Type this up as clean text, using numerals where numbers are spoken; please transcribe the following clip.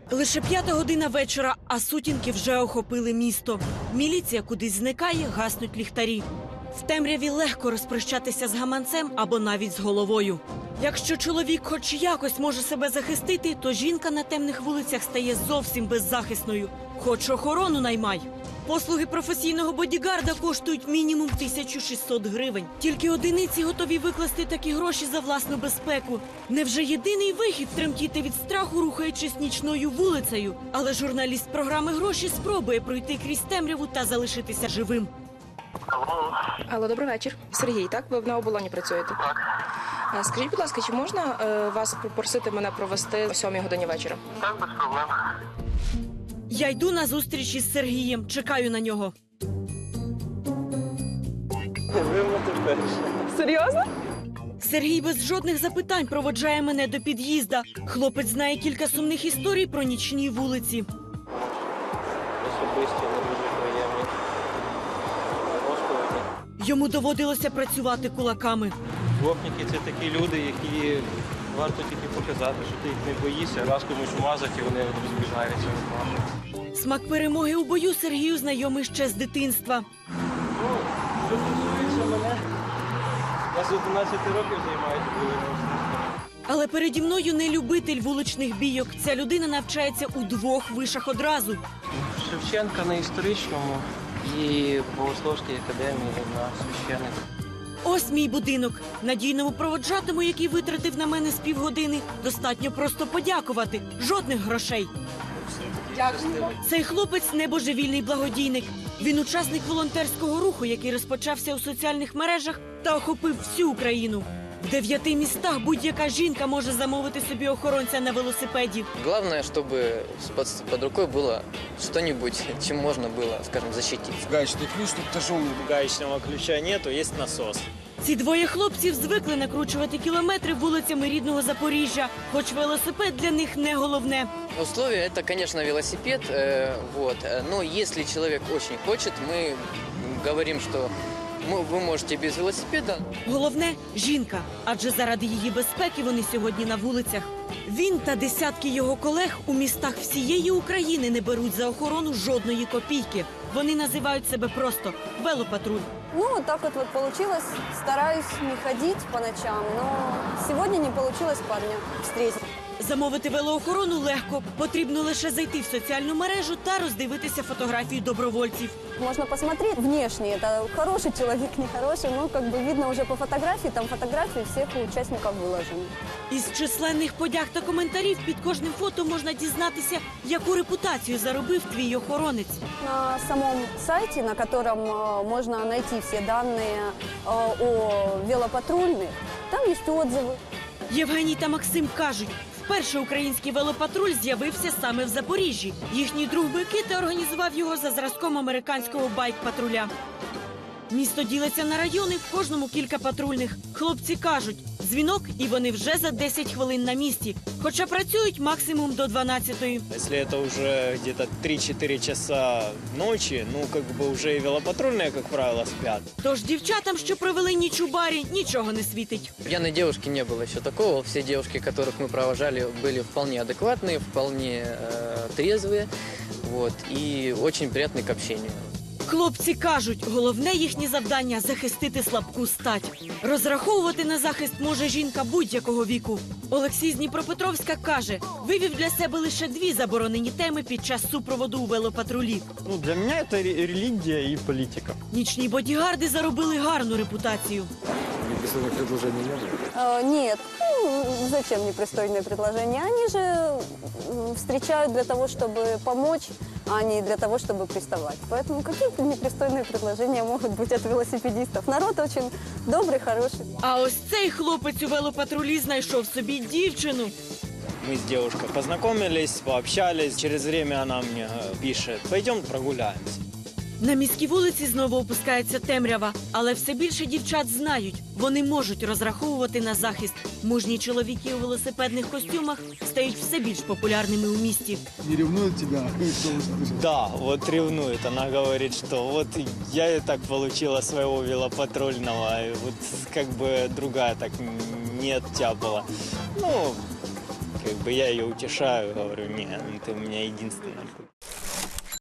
Лише 5 година вечора, а сутінки вже охопили місто. Міліція кудись зникає, гаснуть ліхтарі. В темряві легко розпрощатися з гаманцем або навіть з головою. Якщо чоловік хоч якось може себе захистити, то жінка на темних вулицях стає зовсім беззахисною. Хоч охорону наймай. Послуги професійного бодігарда коштують мінімум 1600 гривень. Тільки одиниці готові викласти такі гроші за власну безпеку. Невже єдиний вихід тремтіти від страху, рухаючись нічною вулицею? Але журналіст програми «Гроші» спробує пройти крізь темряву та залишитися живим. Алло, добрий вечір. Сергій, так? Ви на оболоні працюєте? Так. Скажіть, будь ласка, чи можна вас попросити мене провести о 7 годині вечора? Так, без проблем. Я йду на зустріч із Сергієм, чекаю на нього. Серйозно? Сергій без жодних запитань проводжає мене до під'їзда. Хлопець знає кілька сумних історій про нічні вулиці. Особисті, не дуже приємні розповіді. Йому доводилося працювати кулаками. Гопніки – це такі люди, які варто тільки показати, що ти їх не боїшся. Раз комусь вмазати, і вони розбігаються. Смак перемоги у бою Сергію знайомий ще з дитинства. Ну, що стосується мене, я з 11 років займаюся бойовим. Але переді мною не любитель вуличних бійок. Ця людина навчається у 2 вишах одразу. Шевченка на історичному і Богословській академії на священник. Ось мій будинок. Надійному проводжатому, який витратив на мене з півгодини, достатньо просто подякувати. Жодних грошей. Дякую. Цей хлопець – небожевільний благодійник. Він учасник волонтерського руху, який розпочався у соціальних мережах та охопив всю Україну. В 9 містах будь-яка жінка може замовити собі охоронця на велосипеді. Главное, чтобы под рукой было что-нибудь, чем можно было, скажем, защититься. Гаечный ключ тут тяжелый. Гаечного ключа нету, есть насос. Ці двоє хлопців звикли накручувати кілометри вулицями рідного Запоріжжя, хоч велосипед для них не головне. Условия это, конечно, велосипед, но если человек очень хочет, мы говорим, что вы можете без велосипеда. Головне – жінка, адже заради її безпеки вони сьогодні на вулицях. Він та десятки його колег у містах всієї України не беруть за охорону жодної копійки. Вони називають себе просто «велопатруль». Ну, вот так вот получилось. Стараюсь не ходить по ночам, но сегодня не получилось парня встретить. Замовити велоохорону легко. Потрібно лише зайти в соціальну мережу та роздивитися фотографії добровольців. Можно посмотреть внешне, это хороший человек, нехороший, но как бы видно уже по фотографии, там фотографии всех участников выложены. Із численних подяг та коментарів під кожним фото можна дізнатися, яку репутацію заробив твій охоронець. На самом сайте, на котором можно найти все данные о велопатрульных, там есть отзывы. Євгеній та Максим кажуть, вперше український велопатруль з'явився саме в Запоріжжі. Їхній друг Микита організував його за зразком американського байк-патруля. Місто ділиться на райони, в кожному кілька патрульних. Хлопці кажуть, дзвінок і вони вже за 10 хвилин на місці. Хоча працюють максимум до 12-ї. Если это уже где-то 3-4 часа ночи, уже и велопатрульные, как правило, спят. Тож дівчатам, що провели ніч у барі, нічого не світить. Пьяной девушки не было еще такого. Все девушки, которых мы провожали, были вполне адекватные, вполне трезвые, и очень приятные к общению. Хлопці кажуть, головне їхнє завдання – захистити слабку стать. Розраховувати на захист може жінка будь-якого віку. Олексій з Дніпропетровська каже, вивів для себе лише 2 заборонені теми під час супроводу у велопатрулі. Для меня это религия и политика. Нічні бодігарди заробили гарну репутацію. Непристойных предложений не было? Нет, зачем непристойные предложения? Они же встречают для того, чтобы помочь, а не для того, чтобы приставать. Поэтому какие непристойные предложения могут быть от велосипедистов? Народ очень добрый, хороший. А ось цей хлопець у велопатрулі знайшов собі дівчину. Мы с девушкой познакомились, пообщались. Через время она мне пишет, пойдем прогуляемся. На міській вулиці знову опускається темрява, але все більше дівчат знають, вони можуть розраховувати на захист. Мужні чоловіки у велосипедних костюмах стають все більш популярними у місті. Не ревнует тебя? Да, ревнует. Она говорит, что я и так получила своего велопатрульного, и другая так нет тяпала. как бы я ее утешаю, говорю, не, ну ты у меня единственная.